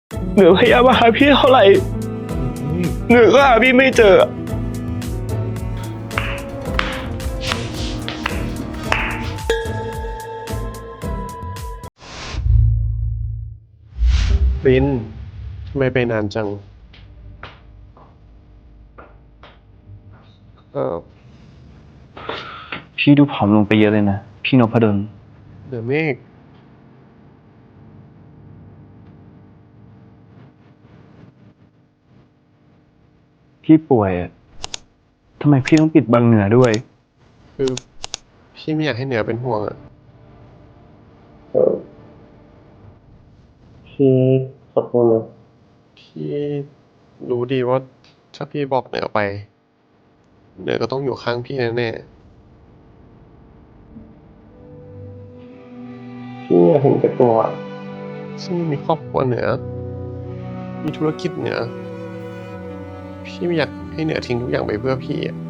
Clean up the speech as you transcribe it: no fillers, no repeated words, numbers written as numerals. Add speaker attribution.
Speaker 1: เหนือพยายามมาหาพี่เท่าไหร่เหนือก็หาพี่ไม่เจอ
Speaker 2: รินทำไมไปนานจัง
Speaker 1: พี่ดูผอมลงไปเยอะเลยนะพี่นพดล
Speaker 2: เดอะเมฆ
Speaker 1: พี่ป่วยอะทำไมพี่ต้องปิดบังเหนือด้วย
Speaker 2: คือพี่ไม่อยากให้เหนือเป็นห่วงอ่ะ
Speaker 1: พี่ขอโทษนะ
Speaker 2: พี่รู้ดีว่าถ้าพี่บอกเหนือไป เหนือก็ต้องอยู่ข้างพี่แน่ๆพี่อยากเห็นแก่ตัวซึ่งมีครอบครัวเหนือ มีธุรกิจเหนือ พี่ไม่อยากให้เหนือทิ้งทุกอย่างไปเพื่อพี่อ่ะ